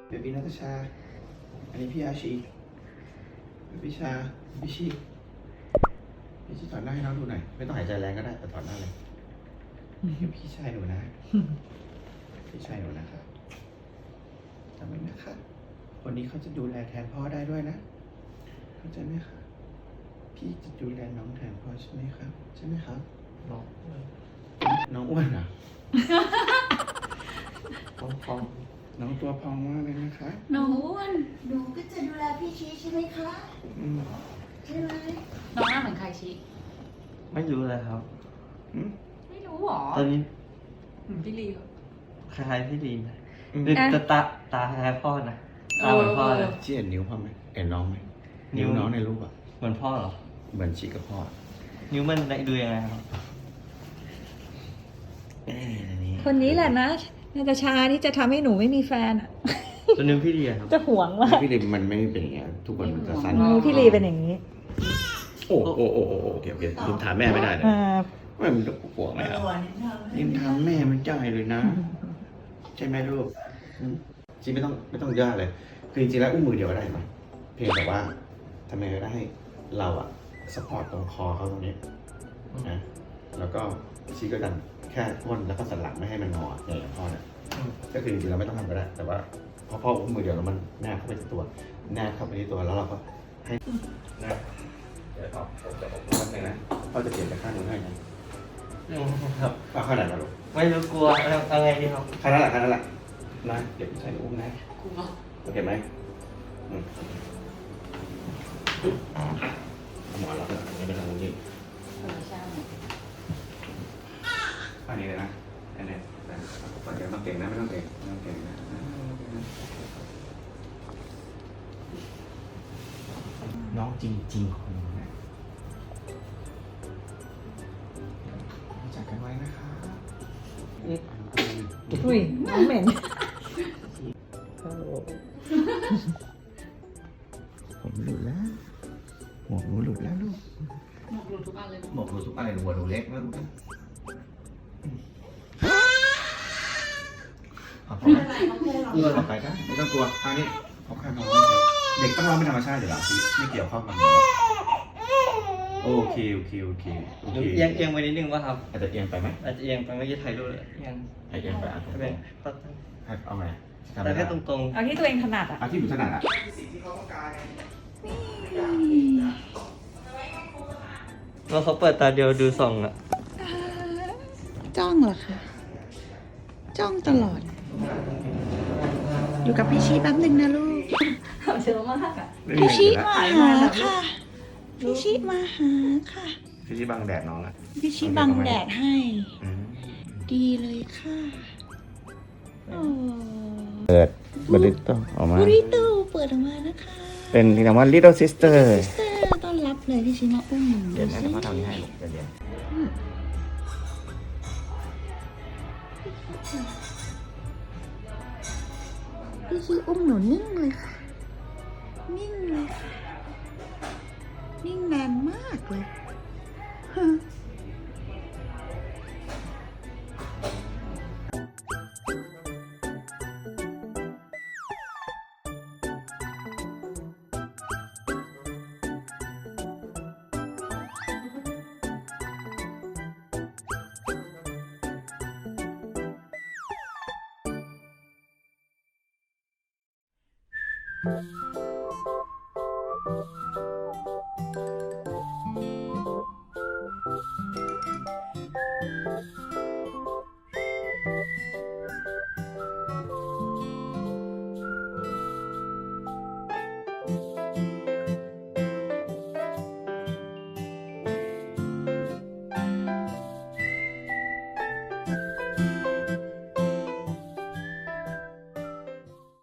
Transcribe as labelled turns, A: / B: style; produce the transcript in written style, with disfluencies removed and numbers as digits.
A: เบบี้นัทชาอันนี้พี่อาชีเบบี้ชาพี่ชีถอดหน้าให้น้องดูหน่อยไม่ต้องหายใจแรงก็ได้แต่ถอดหน้าเลยพี่ชายหนูนะพี่ชายหนูนะครับจำไว้นะคะคนนี้เขาจะดูแลแทนพ่อได้ด้วยนะเข้าใจไหมคะพี่จะดูแลน้องแทนพ่อใช่ไหมครับใช่ไหมครับน้องอ้วนเหรอพองน้องตัวพองมากเลยนะคะ
B: น้องอ้วน
C: หนูก็จะดูแลพี่ชี้ใช่ไหมคะใช่ไหม
B: น้องหน้าเหมือนใครชี้
D: ไม่รู้เลยครับ
B: ไม่รู้หรอ
D: ตอนนี้
B: เหมือนพี่ลีเหรอ
D: คล้ายๆพี่ลีนหรือจะตาคล้ายๆพ่อนะตาเหมือนพ่อเลย
A: ชี้เห็นนิ้วพ่อไหมเห็นน้องไหมนิ้วน้องในรูปอ่ะ
D: เหมือนพ่อเหรอ
A: เหมือนชี้กับพ่อ
D: นิ้วมันดูยังไงครับ
A: นี่
E: คนนี้แหละนะนาตาชาที่จะทำให้หนูไม่มีแฟนอ่ะ
D: ตัวนิ้วพี่ลีอะครับ
E: จะหวงมาก
A: พี่ลิมมันไม่เป็นอย่างเงี้ยทุกคนมันจะสั้น
E: มือพี่ลีเป็นอย่างนี้
A: โอ้โอเคลิมถามแม่ไม่ได้เลย ไม่มันจะปวดไหมอ่ะลิมถามแม่มันจ่ายเลยนะใช่ไหมลูกจริงไม่ต้องยากเลยคือจริงๆแล้วอุ้มมือเดียวก็ได้ไหมเพียงแต่ว่าทำไมก็ได้ให้เราอะสปอร์ตตรงคอเขาตรงนี้นะแล้วก็ชี้ก็ดันแค่ก้นแล้วก็สันหลังไม่ให้มันงออย่างพ่อเนี่ยก็คือจริงๆเราไม่ต้องทำก็ได้แต่ว่าพอพ่ออุ้มมือเดียวแล้วมันแนบเข้าไปที่ตัวแนบเข้าไปที่ตัวแล้วเราก็ให้นะเดี๋ยวต่อผมจะบอกว่าไงนะพ่อจะเปลี่ยนไปข้างนู้นให้นะครับ เอาข้างไหนมาลูก
D: ไม่รู้กลัวเอาไงดีครับ
A: ข้างนั้นแหละนะเดี๋ยวพี่ชายหนูอุ้มนะ
B: กูเนาะ
A: โอเคไหมหมอนเราเนี่ยไม่เป็นไรจริง
B: ใช่
A: อันนี้เลยนะอันนี้เดี๋ยวต้องเก่งนะไม่ต้องเก่งนะน้องจริงๆของหนูนะรู้จักกันไว้นะคะ
E: อุ้ยน้องเหม็น
A: ผมหลุดแล้วหมวกหนูหลุดแล้วลูก
B: หมวกหลุดทุกอันเลย
A: หมวกหนูทุกอะไรหัวหนูเล็กไม่รู้นะพอต่อไปได้ไม่ต้องกลัวอันนี้เขาแค่ร้องเด็กต้องร้องเป็นธรรมชาติอยู่แล้วไม่เกี่ยวข้องกับหนูโอเค
D: เอียงไปนิดนึงป่ะครับ
A: อาจจะเอียงไปไหม
D: อาจจะเอียงไปเมื่อกี้ถ่ายรูปเลยเอียง
A: เอียงไปอ่ะตรง
D: เป็น
A: เอาไง
D: แต่แค่ตรง
E: เอาที่ตัวเองถนัดอ่ะ
A: เอาที่หนูถนัดอ่ะ
D: ๆแล้วเขาเปิดตาเดียวดูส่องอะ
C: จ้องเหรอคะจ้องตลอด อยู่กับพี่ชี้แป๊บหนึ่งนะลูก
E: เชื่อมากอ่ะ
C: พี่ชี้มาหาค่ะ พี่ชี้มาหาค่ะ
A: พี่ชี้บังแดดน้องอ่ะ
C: พี่ชี้บังแดดให้ ดีเลยค่ะโอ้
A: เปิดบริตโตออกมา
C: บุริโตเปิดออกมานะคะ
A: เป็นคำว่า little sister
C: ซิสเตอร์ต้อนรับเลยพี่ชี้มาอุ้ม
A: เดี๋ยวนะเขาทำนี้ให้ลูกเดี๋ยว
C: พี่ชี้อุ้มหนูนิ่งเลยค่ะ นิ่งเลยค่ะ นิ่งนานมากเลยฮะ